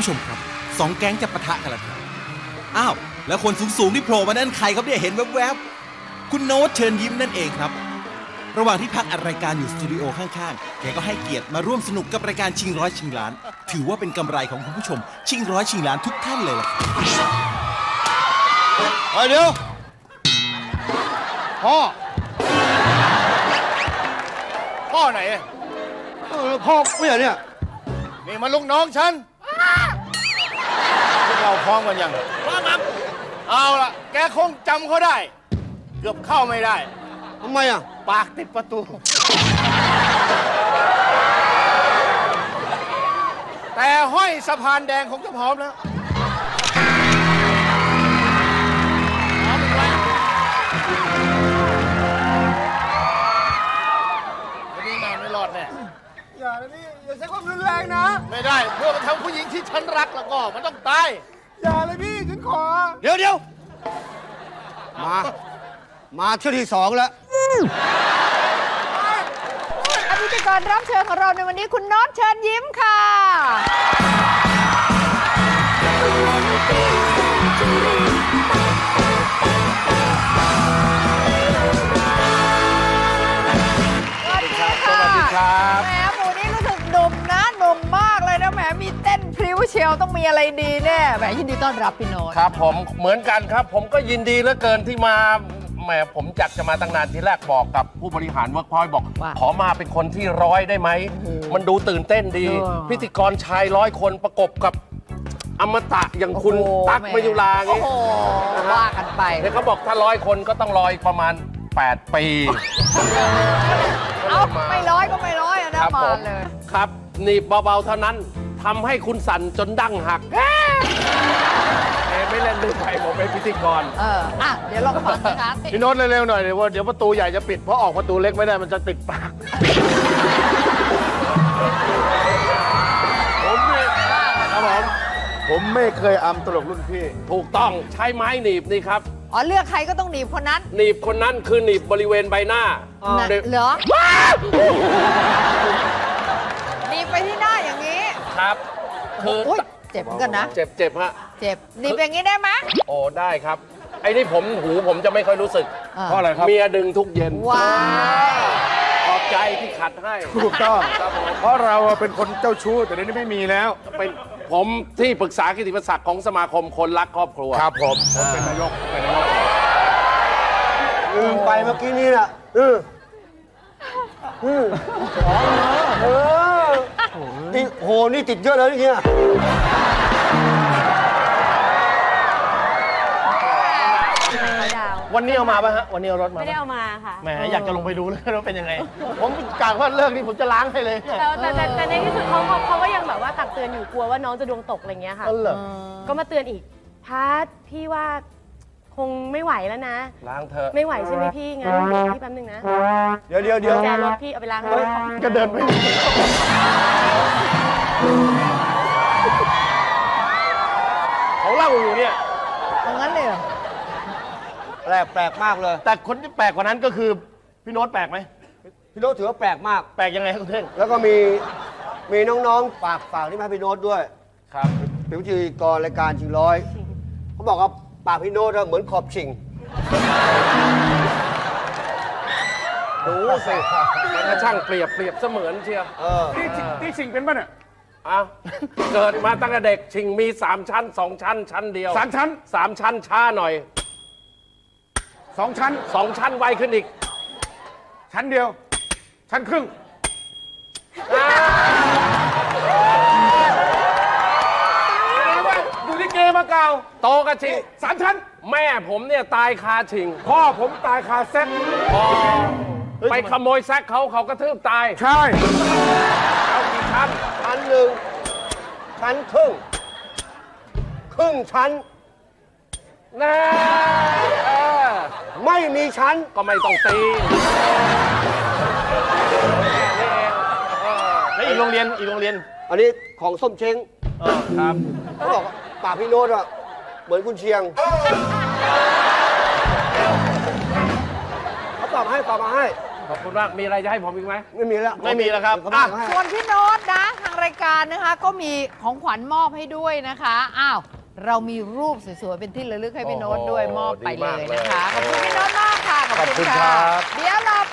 ผู้ชมครับสองแก๊งจะปะทะกันแล้วครับอ้าวแล้วคนสูงๆที่โผล่มานั่นใครครับเนี่ยเห็นแวบๆคุณโน้ตเชิญยิ้มนั่นเองครับระหว่างที่พักอัดรายการอยู่สตูดิโอข้างๆแกก็ให้เกียรติมาร่วมสนุกกับรายการชิงร้อยชิงล้านถือว่าเป็นกำไรของคุณผู้ชมชิงร้อยชิงล้านทุกท่านเลยล่ะครับเดี๋ยวพ่อไหนพ่อไม่เหรอเนี่ยนี่มันลูกน้องฉันพวกเราพร้อมกันยังพร้อมครับเอาล่ะแกคงจำเขาได้เกือบเข้าไม่ได้ทำไมอ่ะปากติดประตูแต่ห้อยสะพานแดงคงจะพร้อมแล้วพร้อมไหมวันนี้นอนไม่รอดแน่อย่าเลยพี่อย่าใช้ความรุนแรงนะไม่ได้เพื่อมาทำผู้หญิงที่ฉันรักแล้วก็มันต้องตายอย่าเลยพี่ฉันขอเดี๋ยวมาเที่ยวที่สองแล้วพิธีกรรับเชิญของเราในวันนี้คุณโน้ตเชิญยิ้มค่ะสวัสดีค่ะสวัสดีครับแหมหมูนี่รู้สึกหนุ่มนะหนุ่มมากเลยนะแหมมีเต้นพริ้วเชียวต้องมีอะไรดีแน่แหมยินดีต้อนรับพี่โน้ตครับผมเหมือนกันครับผมก็ยินดีเหลือเกินที่มาแหมผมจัดจะมาตั้งนานทีแรกบอกกับผู้บริหารเวิร์กพอยต์บอกขอมาเป็นคนที่100ได้ไหมมันดูตื่นเต้นดีพิธีกรชาย100 คนประกบกับอมตะอย่างคุณตั๊กมยุราไงว่ากันไปเนี่ยเขาบอกถ้า100 คนก็ต้องรออีกประมาณ8 ปีเอาไม่ร้อยก็ไม่ร้อยนะมาเลยครับหนีบเบาๆเท่านั้นทำให้คุณสั่นจนดั้งหักไม่เล่นด้วยไปผมเป็นพิธีกรเดี๋ยวลองฟังนะคะพี่โน้ตเร็วๆหน่อยเดี๋ยวประตูใหญ่จะปิดเพราะออกประตูเล็กไม่ได้มันจะติดปากผมไม่เคยอำตลกรุ่นพี่ถูกต้องใช้ไม้หนีบนี่ครับเลือกใครก็ต้องหนีบคนนั้นหนีบคนนั้นคือหนีบบริเวณใบหน้าเหรอหนีบไปที่หน้าอย่างนี้ครับคือเจ็บกันนะเจ็บฮะเจ็บหนีบอย่างนี้ได้ไหมโอ้ได้ครับไอ้นี่ผมจะไม่ค่อยรู้สึกเพราะอะไรครับเมียดึงทุกเย็นว้าขอบใจที่ขัดให้ถูกต้องเพราะเราเป็นคนเจ้าชู้แต่เดี๋ยวนี้ไม่มีแล้วเป็นผมที่ปรึกษากิตติมศักดิ์ของสมาคมคนรักครอบครัวครับผมเป็นนายกลืมไปเมื่อกี้นี่น่ะนี่โหนี่ติดเยอะเลยเนี่ยวันนี้เอามาป่ะฮะวันนี้เอารถมาไม่ได้เอามาค่ะแหมอยากจะลงไปดูเลยว่าเป็นยังไงผมกะว่าเลิกนี่ผมจะล้างให้เลยแต่ในที่สุดเขาก็ยังแบบว่าตักเตือนอยู่กลัวว่าน้องจะดวงตกอะไรเงี้ยค่ะก็มาเตือนอีกพัดพี่ว่าคงไม่ไหวแล้วนะล้างเถอะไม่ไหวใช่ไหมพี่งั้นพี่แป๊บนึงนะเดี๋ยวแกรถพี่เอาไปล้างเลยก็เดินไปเขาเล่าอยู่เนี่ยตรงนั้นเลยเหรอแปลกมากเลยแต่คนที่แปลกกว่านั้นก็คือพี่โน้ตแปลกไหมพี่โน้ตถือว่าแปลกมากแปลกยังไงครับคุณเท่งแล้วก็มีน้องๆฝากที่มาพี่โน้ตด้วยครับเป็นพิธีกรรายการชิงร้อยเขาบอกว่าปากพี่โน้ตเหมือนขอบชิงดูสิมันก็ช่างเปรียบเสมือนเชียวที่ชิงเป็นป่ะเนี่ยเกิดมาตั้งแต่เด็กชิงมี3 ชั้น2 ชั้นชั้นเดียว 3 ชั้น 3 ชั้นช้าหน่อย 2 ชั้น 2 ชั้นไวขึ้นอีกชั้นเดียวชั้นครึ่งดูที่เกมมาเก่าโตกันชิง 3 ชั้นแม่ผมเนี่ยตายคาชิงพ่อผมตายคาแซกไปขโมยแซกเขากระทืบตายใช่เอากี่ชั้นชั้น1ชั้นครึ่งชั้นนะไม่มีชั้นก็ไม่ต้องตีแล้วอีกโรงเรียนอันนี้ของส้มเช้งครับเขาบอกปากพี่โน้ตเหมือนคุณเชียงเขาฝากมาให้ขอบคุณมาก มีอะไรจะให้ผมอีกไหมไม่มีแล้วไม่มีแล้วครับเขาไม่ให้ส่วนพี่โน้ตนะ ทางรายการนะคะ ก็มีของขวัญมอบให้ด้วยนะคะ อ้าว เรามีรูปสวยๆ เป็นที่ระลึกให้พี่โน้ตด้วยโอ้โหมอบไปเลยดีมากเลยนะคะ ขอบคุณพี่โน้ตมากค่ะขอบคุณค่ะครับเดี๋ยวเรา